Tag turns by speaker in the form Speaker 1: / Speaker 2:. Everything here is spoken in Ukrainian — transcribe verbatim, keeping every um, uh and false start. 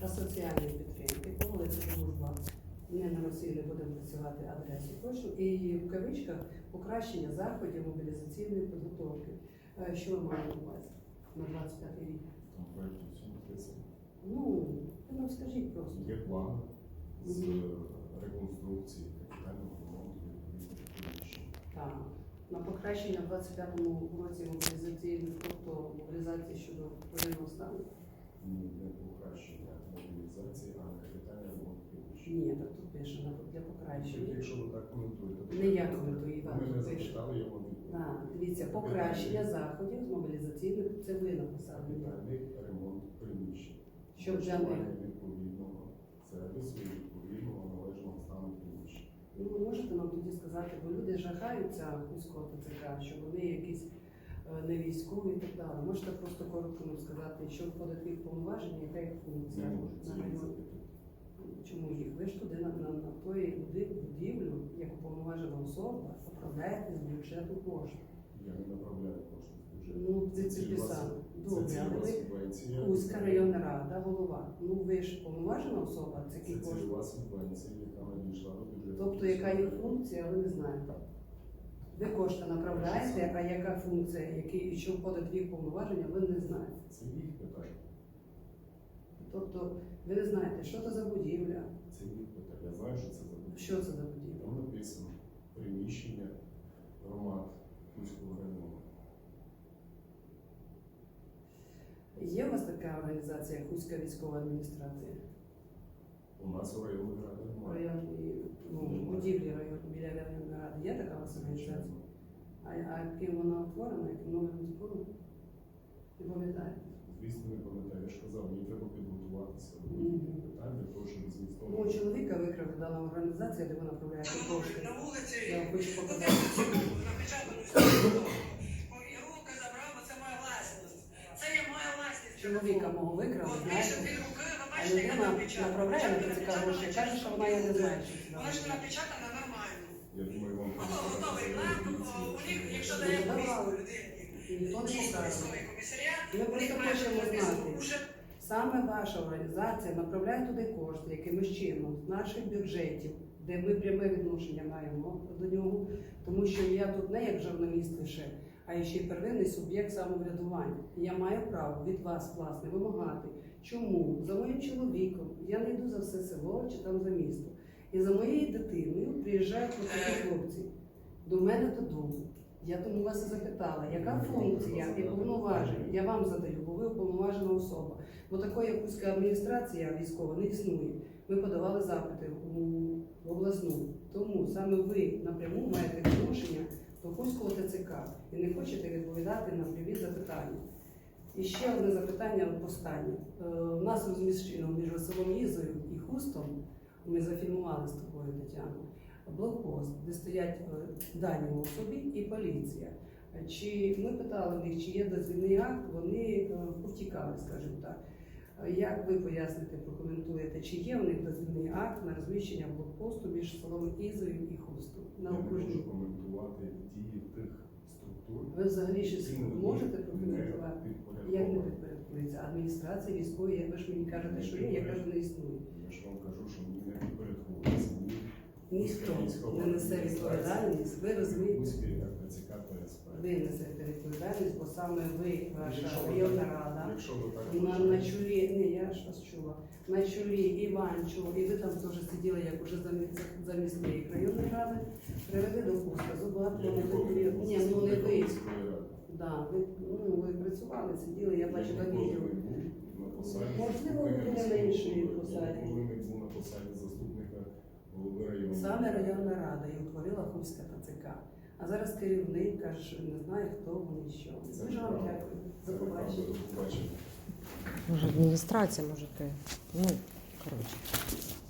Speaker 1: та соціальної підтримки по вулиці Дружба. Не на Росії не будемо працювати адресу кошу. І в кавичках покращення заходів мобілізаційної підготовки. Е, Що ви маєте на увазі на двадцять п'ятий рік?
Speaker 2: Там проєкті все написано.
Speaker 1: Ну, ви нам скажіть просто.
Speaker 2: Є план з реконструкції капітального ремонту відповідних приміщень.
Speaker 1: Так. На покращення в двадцять п'ятому році мобілізаційної, тобто мобілізації щодо воєнного стану?
Speaker 2: Ні, не покращення мобілізації, а капітальний ремонт приміщень.
Speaker 1: Ні, так тут пише на- для покращення.
Speaker 2: Якщо ви так коментуєте, то
Speaker 1: Не я коментую, Іван,
Speaker 2: ми не
Speaker 1: тут пише.
Speaker 2: запитали його відповідь.
Speaker 1: Так, дивіться, покращення заходів з мобілізаційних, це ви написали.
Speaker 2: Капітальний ремонт приміщень.
Speaker 1: Щоб для них.
Speaker 2: Влаштування відповідного сервісу і відповідного належного стану приміщень.
Speaker 1: Ну, ви можете нам тоді сказати, бо люди жахаються військового ТЦК, що вони якісь е, не військові і так далі. Можете просто коротко нам сказати, що входить в їх повноваження, яка їх функція?
Speaker 2: Не можуть
Speaker 1: на
Speaker 2: це
Speaker 1: район?
Speaker 2: запитати.
Speaker 1: Чому їх? Ви ж туди на, на, на тої буди- будівлю, як уповноважена особа, управляєте з бюджету коштів.
Speaker 2: Я не направляю кошти з бюджету.
Speaker 1: Ну, це
Speaker 2: Це
Speaker 1: ці
Speaker 2: цільова
Speaker 1: писали.
Speaker 2: суб-
Speaker 1: Добре,
Speaker 2: це
Speaker 1: але
Speaker 2: цільова
Speaker 1: ви
Speaker 2: субвенція.
Speaker 1: Кузька районна рада, голова. Ну ви ж уповноважена особа, це
Speaker 2: Це
Speaker 1: які кошти.
Speaker 2: цільова субвенція, яка надійшла до бюджету.
Speaker 1: Тобто, яка є функція, ви не знаєте. Ви кошти направляєте, а яка функція, які, і що входить в їх повноваження, ви не знаєте.
Speaker 2: Це їх питання.
Speaker 1: Тобто, ви не знаєте, що це за будівля,
Speaker 2: Це їх питання. Я знаю, що це за будівля.
Speaker 1: що це за будівля.
Speaker 2: Там написано приміщення громад Кузького району.
Speaker 1: Є у вас така організація Хуська військова адміністрація?
Speaker 2: У нас у районній раді немає.
Speaker 1: Районні, ну, будівлі район, біля районної ради. Є така у вас організація? А, а ким вона утворена, яким новим збором? Не пам'ятаєте?
Speaker 2: Звісно, не пам'ятаю. Я ж казав, мені треба підготуватися до
Speaker 1: Мгм.
Speaker 2: будь-яких питань для того, щоб змістовно.
Speaker 1: Мого чоловіка викрав дана організація, де ви направляєте кошти.
Speaker 3: На вулиці
Speaker 1: Я вам хочу показати.
Speaker 3: напечатану сторону. І руки забрав, бо це моя власність. Це є моя власність.
Speaker 1: Чоловіка мого викрав,
Speaker 3: От
Speaker 1: знаєте?
Speaker 3: більше дві руки, ви
Speaker 1: А
Speaker 3: бачите, яка
Speaker 1: людина
Speaker 3: напечатана.
Speaker 1: направляє на ТЦК гроші, каже, що вона я не знає, що це.
Speaker 3: Вона ж не напечатана нормально.
Speaker 2: Я думаю, вам
Speaker 3: Воно готовий план, у них, якщо
Speaker 1: Ну,
Speaker 3: дає
Speaker 1: давай.
Speaker 3: повістку людині,
Speaker 1: Ніхто не
Speaker 3: дійсно
Speaker 1: покаже.
Speaker 3: існує комісаріат,
Speaker 1: Ми
Speaker 3: у
Speaker 1: просто
Speaker 3: них має
Speaker 1: хочемо
Speaker 3: бути
Speaker 1: знати.
Speaker 3: уже
Speaker 1: Саме ваша організація направляє туди кошти якимось чином з наших бюджетів, де ми пряме відношення маємо до нього, тому що я тут не як журналіст лише, а ще й первинний суб'єкт самоврядування. І я маю право від вас, власне, вимагати, чому за моїм чоловіком я не йду за все село чи там за місто. І за моєю дитиною приїжджають такі хлопці до мене додому. Я тому вас і запитала, яка функція і повноваження? Я вам задаю, бо ви уповноважена особа. Бо такої якусь адміністрація військова не існує. Ми подавали запити у обласну. Тому саме ви напряму маєте відношення до Хуського ТЦК і не хочете відповідати на прямі запитання. І ще одне запитання останнє. Е, У нас розміщено між селом Ізою і Хустом, ми зафільмували з тобою, Тетяно, блокпост, де стоять е, дані особі і поліція. Чи ми питали в них, чи є дозвільний акт, вони е, повтікали, скажімо так. Е, Як ви поясните, прокоментуєте, чи є у них дозвільний акт на розміщення блокпосту між селом Ізою і Хустом? На
Speaker 2: Я не
Speaker 1: окружній.
Speaker 2: можу коментувати дії тих структур.
Speaker 1: Ви взагалі щось
Speaker 2: які не
Speaker 1: можете
Speaker 2: не
Speaker 1: прокоментувати?
Speaker 2: підпорядковані.
Speaker 1: Як не підпорядкується? Адміністрація військової, як ви ж мені кажете, що є, я кажу, не існує.
Speaker 2: Я ж вам кажу, що мені не підпорядковується. Ні.
Speaker 1: Ніхто не несе відповідальність, ви розумієте?
Speaker 2: Кузький РТЦК ПСП.
Speaker 1: Ви несете відповідальність, бо саме ви, ваша
Speaker 2: Якщо ви
Speaker 1: районна
Speaker 2: так-
Speaker 1: рада,
Speaker 2: Якщо ви так
Speaker 1: на, на
Speaker 2: вважаєте.
Speaker 1: чолі, ні, я ж вас чула, на чолі Іванчу, і ви там теж сиділи, як уже замість, замість моєї районної ради, привели до пуска, зубатку
Speaker 2: Я
Speaker 1: на
Speaker 2: ніколи не був
Speaker 1: ні, ну не ви.
Speaker 2: заступником міської ради.
Speaker 1: Да, ви, ну, ви працювали, сиділи, я бачила
Speaker 2: Я ніколи
Speaker 1: відео.
Speaker 2: не був на посаді
Speaker 1: Можливо, ви
Speaker 2: заступника
Speaker 1: були на іншій
Speaker 2: міського голови.
Speaker 1: посаді.
Speaker 2: Я ніколи не був на посаді заступника голови району.
Speaker 1: Саме районна рада і утворила Хуська ТЦК. А зараз керівник каже, що він не знає, хто вони і що.
Speaker 2: Це
Speaker 1: Дуже вам
Speaker 2: правда.
Speaker 1: дякую.
Speaker 2: Це
Speaker 1: До побачення.
Speaker 2: правда. До побачення.
Speaker 4: Може, адміністрація, може, ти. Ну, коротше.